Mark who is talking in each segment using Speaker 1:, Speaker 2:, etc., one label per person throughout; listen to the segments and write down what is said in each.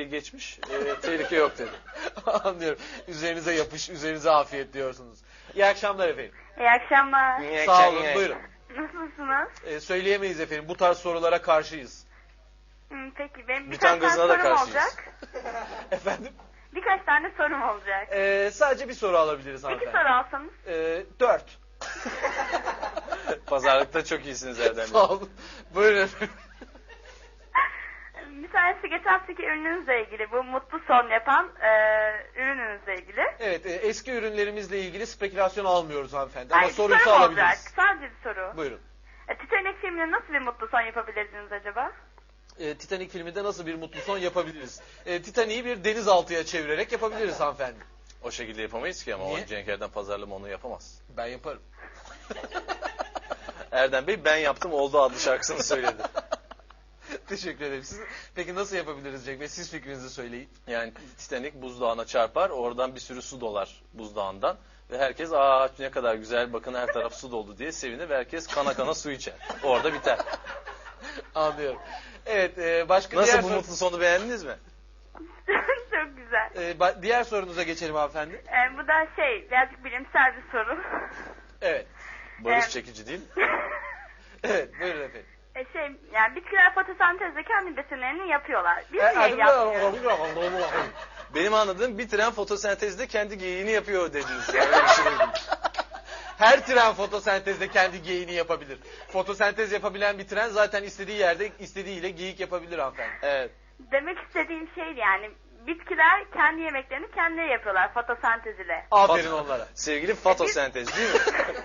Speaker 1: dakikayı geçmiş. Tehlike yok dedi.
Speaker 2: Anlıyorum. Üzerinize yapış, üzerinize afiyet diyorsunuz. İyi akşamlar efendim.
Speaker 3: İyi akşamlar.
Speaker 2: Sağ olun, buyurun.
Speaker 3: Nasılsınız?
Speaker 2: Söyleyemeyiz efendim. Bu tarz sorulara karşıyız.
Speaker 3: Peki benim
Speaker 1: Biten
Speaker 3: birkaç tane
Speaker 1: gazına da
Speaker 3: sorum
Speaker 1: karşıyız.
Speaker 3: olacak.
Speaker 2: Efendim?
Speaker 3: Birkaç tane sorum olacak.
Speaker 2: Sadece bir soru alabiliriz
Speaker 3: İki
Speaker 2: hanımefendi.
Speaker 3: soru alsanız.
Speaker 2: 4.
Speaker 1: Pazarlıkta çok iyisiniz Erdem Bey.
Speaker 2: Sağ olun. Buyurun efendim.
Speaker 3: Bir tanesi geçen haftaki ürününüzle ilgili. Bu mutlu son yapan ürününüzle ilgili.
Speaker 2: Evet, eski ürünlerimizle ilgili spekülasyon almıyoruz hanımefendi. Ama
Speaker 3: Hayır, bir
Speaker 2: soruyu
Speaker 3: sorum
Speaker 2: alabiliriz.
Speaker 3: olacak. Sadece bir soru.
Speaker 2: Buyurun.
Speaker 3: Titanic filmine nasıl bir mutlu son yapabilirdiniz acaba?
Speaker 2: Titanic filminde nasıl bir mutlu son yapabiliriz? Titanic'i bir denizaltıya çevirerek yapabiliriz hanımefendi.
Speaker 1: O şekilde yapamayız ki ama
Speaker 2: Niye?
Speaker 1: o Cenk Erdem pazarlama onu yapamaz.
Speaker 2: Ben yaparım.
Speaker 1: Erdem Bey ben yaptım oldu adlı şarkısını söyledi.
Speaker 2: Teşekkür ederim. Peki nasıl yapabiliriz Cenk Bey? Siz fikrinizi söyleyin.
Speaker 1: Yani Titanic buzdağına çarpar, oradan bir sürü su dolar buzdağından ve herkes ne kadar güzel bakın her taraf su doldu diye sevinir ve herkes kana kana su içer. Orada biter.
Speaker 2: Anlıyorum. Evet, başka
Speaker 1: Nasıl
Speaker 2: diğer
Speaker 1: bu mutlu sonu beğendiniz mi?
Speaker 3: Çok güzel.
Speaker 2: diğer sorunuza geçelim hanımefendi.
Speaker 3: Bu da birazcık bilimsel bir soru.
Speaker 2: Evet.
Speaker 1: Barış çekici değil.
Speaker 2: Evet, buyurun efendim.
Speaker 3: Yani bitkiler fotosentezle kendi besinlerini yapıyorlar. Biz niye yapmıyoruz?
Speaker 1: Benim anladığım bir tren fotosentezde kendi geyiğini yapıyor dediniz. Yani öyle bir şey duydum.
Speaker 2: Her tren fotosentezde kendi geyiğini yapabilir. Fotosentez yapabilen bir tren zaten istediği yerde istediğiyle geyik yapabilir hanımefendi.
Speaker 1: Evet.
Speaker 3: Demek istediğim yani bitkiler kendi yemeklerini kendileri yapıyorlar fotosentez ile.
Speaker 2: Aferin onlara.
Speaker 1: Sevgili fotosentez değil mi?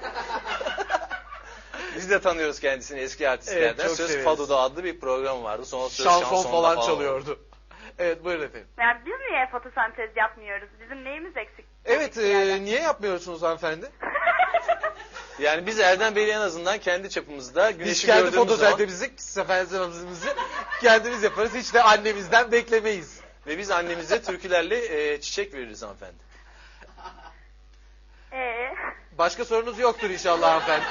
Speaker 1: Biz de tanıyoruz kendisini eski artistlerden.
Speaker 2: Evet, çok
Speaker 1: Söz
Speaker 2: severiz.
Speaker 1: Fado'da adlı bir program vardı. Sonra Söz
Speaker 2: Şanson
Speaker 1: Şanson'da
Speaker 2: falan
Speaker 1: oldu.
Speaker 2: çalıyordu. Evet, buyurun efendim.
Speaker 3: Yani biz niye fotosentez yapmıyoruz? Bizim neyimiz eksik?
Speaker 2: Evet, niye yapmıyorsunuz hanımefendi?
Speaker 1: Yani biz Erdem Bey'le en azından kendi çapımızda güneşi
Speaker 2: Biz kendi
Speaker 1: gördüğümüz zaman
Speaker 2: fotosentezimizi kendimiz yaparız. Hiç de annemizden beklemeyiz.
Speaker 1: ve biz annemize türkülerle çiçek veririz hanımefendi.
Speaker 2: Başka sorunuz yoktur inşallah hanımefendi.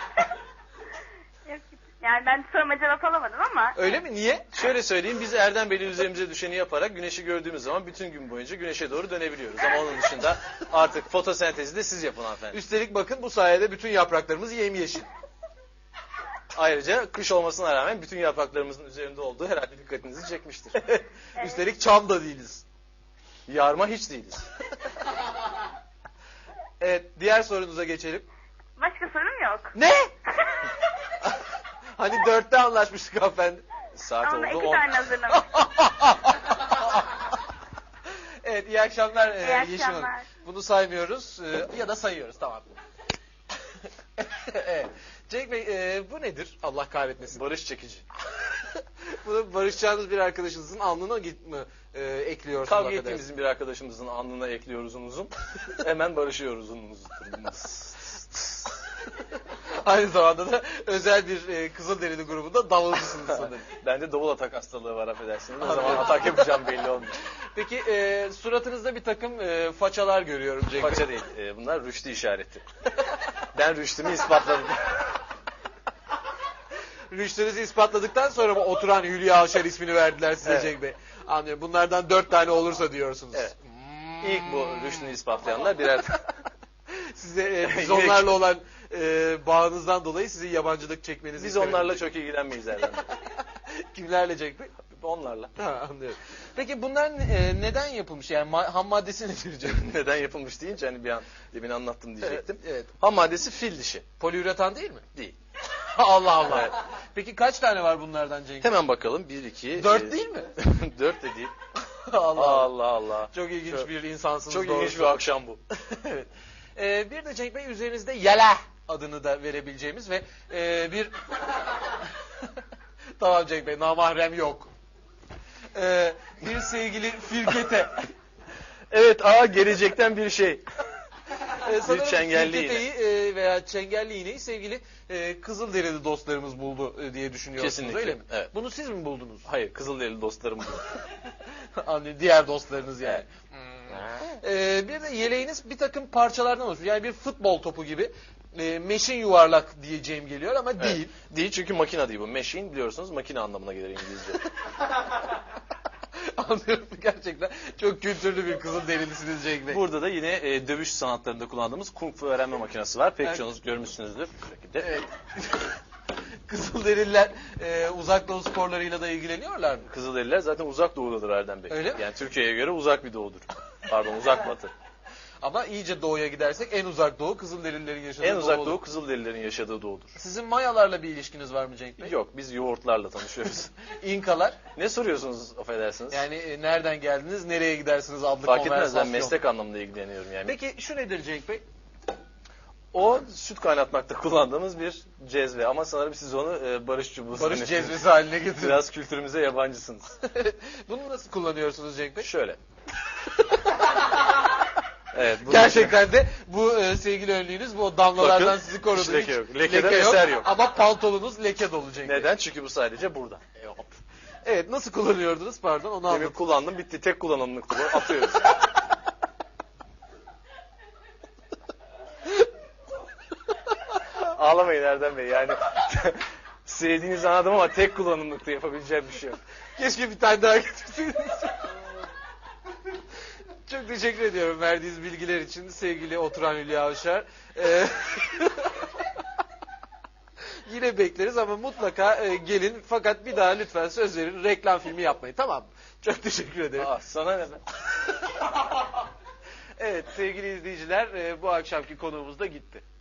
Speaker 3: Yani ben soruma cevap alamadım ama.
Speaker 2: Öyle mi? Niye?
Speaker 1: Şöyle söyleyeyim, biz Erdem Bey'le üzerimize düşeni yaparak güneşi gördüğümüz zaman bütün gün boyunca güneşe doğru dönebiliyoruz. Ama onun dışında artık fotosentezi de siz yapın hanımefendi.
Speaker 2: Üstelik bakın bu sayede bütün yapraklarımız yemyeşil.
Speaker 1: Ayrıca kış olmasına rağmen bütün yapraklarımızın üzerinde olduğu herhalde dikkatinizi çekmiştir.
Speaker 2: Üstelik çam da değiliz.
Speaker 1: Yarma hiç değiliz.
Speaker 2: Evet, diğer sorunuza geçelim.
Speaker 3: Başka sorum yok.
Speaker 2: Ne? Hani 4'te anlaşmıştık hanımefendi.
Speaker 1: Saat
Speaker 3: Ama
Speaker 1: oldu
Speaker 3: iki
Speaker 1: 10.
Speaker 3: tane hazırlamış.
Speaker 2: Evet, iyi akşamlar
Speaker 3: İyi
Speaker 2: Yeşim Hanım.
Speaker 3: akşamlar.
Speaker 2: Bunu saymıyoruz ya da sayıyoruz, tamam. Evet. Cenk Bey, bu nedir? Allah kahretmesin.
Speaker 1: Barış çekici.
Speaker 2: Bunu barışacağınız bir arkadaşınızın alnına mi ekliyorsunuz?
Speaker 1: Kavga
Speaker 2: hakikaten?
Speaker 1: ettiğimizin bir arkadaşımızın alnına ekliyoruz uzun. Hemen barışıyoruz uzun.
Speaker 2: Aynı zamanda da özel bir Kızılderili grubunda davulcusunuz sanırım.
Speaker 1: Bende davul atak hastalığı var affedersiniz. Ne zaman atak yapacağım belli olmuyor.
Speaker 2: Peki suratınızda bir takım façalar görüyorum Cenk Bey.
Speaker 1: Faça değil. Bunlar rüştü işareti. Ben rüştümü ispatladım.
Speaker 2: Rüştünüzü ispatladıktan sonra mı oturan Hülya Avşar ismini verdiler size
Speaker 1: Evet.
Speaker 2: Cenk Bey? Anlıyorum. Bunlardan 4 tane olursa diyorsunuz.
Speaker 1: Evet. İlk bu rüştünü ispatlayanlar birer...
Speaker 2: Size biz onlarla olan bağınızdan dolayı sizin yabancılık çekmenizi
Speaker 1: Biz
Speaker 2: istemedim.
Speaker 1: onlarla çok ilgilenmeyiz Erdem Bey.
Speaker 2: Kimlerle Cenk Bey?
Speaker 1: Onlarla.
Speaker 2: Ha, anlıyorum. Peki bunlar neden yapılmış? Yani ham maddesi nedir Cenk Bey?
Speaker 1: Neden yapılmış deyince hani bir an demin anlattım diyecektim.
Speaker 2: Evet.
Speaker 1: Ham maddesi fil dişi.
Speaker 2: Poliüretan değil mi?
Speaker 1: Değil.
Speaker 2: Allah Allah.
Speaker 1: Evet.
Speaker 2: Peki kaç tane var bunlardan Cenk Bey?
Speaker 1: Hemen bakalım. 1, 2...
Speaker 2: 4 değil mi?
Speaker 1: 4 de değil.
Speaker 2: Allah
Speaker 1: Allah Allah.
Speaker 2: Çok ilginç bir insansınız.
Speaker 1: Çok
Speaker 2: doğrusu.
Speaker 1: ilginç bir akşam bu.
Speaker 2: Evet. Bir de Cenk Bey üzerinizde Yela adını da verebileceğimiz ve bir... Tamam Cenk Bey, namahrem yok. Bir sevgili Firkete.
Speaker 1: Evet, gelecekten bir şey.
Speaker 2: Sanırım
Speaker 1: çengelli
Speaker 2: Firkete'yi veya çengelli iğneyi sevgili Kızılderili dostlarımız buldu diye düşünüyorsunuz,
Speaker 1: Kesinlikle,
Speaker 2: öyle mi?
Speaker 1: evet.
Speaker 2: Bunu siz mi buldunuz?
Speaker 1: Hayır, Kızılderili dostlarım bu.
Speaker 2: Anlıyorum, diğer dostlarınız yani.
Speaker 1: Evet.
Speaker 2: Bir de yeleğiniz bir takım parçalardan oluşuyor. Yani bir futbol topu gibi meşin yuvarlak diyeceğim geliyor ama değil.
Speaker 1: Evet. Değil çünkü makine değil bu. Machine biliyorsunuz makine anlamına gelir İngilizce.
Speaker 2: Anlıyorum, gerçekten çok kültürlü bir Kızılderililisiniz Cenk Bey.
Speaker 1: Burada da yine dövüş sanatlarında kullandığımız Kung Fu öğrenme makinesi var. Pek
Speaker 2: Evet.
Speaker 1: çoğunuz görmüşsünüzdür.
Speaker 2: Evet. Kızılderililer uzak doğu sporlarıyla da ilgileniyorlar mı?
Speaker 1: Kızılderililer zaten uzak doğudadır Erdem Bey.
Speaker 2: Öyle mi?
Speaker 1: Yani Türkiye'ye göre uzak bir doğudur. Pardon, uzak batı.
Speaker 2: Ama iyice doğuya gidersek en uzak doğu Kızılderililerin yaşadığı
Speaker 1: En uzak
Speaker 2: olur.
Speaker 1: doğu Kızılderililerin yaşadığı doğudur.
Speaker 2: Sizin Mayalarla bir ilişkiniz var mı Cenk Bey?
Speaker 1: Yok, biz yoğurtlarla tanışıyoruz.
Speaker 2: İnkalar.
Speaker 1: Ne soruyorsunuz affedersiniz?
Speaker 2: Yani nereden geldiniz, nereye gidersiniz adlı
Speaker 1: Fark etmez, ben
Speaker 2: konversasyon.
Speaker 1: meslek anlamında ilgileniyorum yani.
Speaker 2: Peki şu nedir Cenk Bey?
Speaker 1: O süt kaynatmakta kullandığımız bir cezve ama sanırım siz onu barış çubuğu
Speaker 2: Barış
Speaker 1: zannediyorsunuz.
Speaker 2: cezvesi haline getirin.
Speaker 1: Biraz kültürümüze yabancısınız.
Speaker 2: Bunu nasıl kullanıyorsunuz Cenk Bey?
Speaker 1: Şöyle. Evet, bunun
Speaker 2: Gerçekten de bu sevgili önlüğünüz bu damlalardan
Speaker 1: Bakın,
Speaker 2: sizi korudu.
Speaker 1: hiç leke yok. Lekeden eser yok.
Speaker 2: Ama pantolonunuz leke dolu Cenk Bey.
Speaker 1: Neden? Çünkü bu sadece burada.
Speaker 2: Evet, nasıl kullanıyordunuz? Pardon, onu
Speaker 1: Demin
Speaker 2: anlatın.
Speaker 1: kullandım, bitti. Tek kullanımlıktı bu. Atıyoruz. Ağlamayın Erdem Bey. Yani sevdiğinizi anladım ama tek kullanımlıkta yapabileceğim bir şey yok.
Speaker 2: Keşke bir tane daha getirseydiniz. Çok teşekkür ediyorum verdiğiniz bilgiler için sevgili oturan Hülya Avşar. Yine bekleriz ama mutlaka gelin, fakat bir daha lütfen söz verin, reklam filmi yapmayın, tamam mı? Çok teşekkür ederim.
Speaker 1: Aa, sana ne be?
Speaker 2: Evet sevgili izleyiciler, bu akşamki konuğumuz da gitti.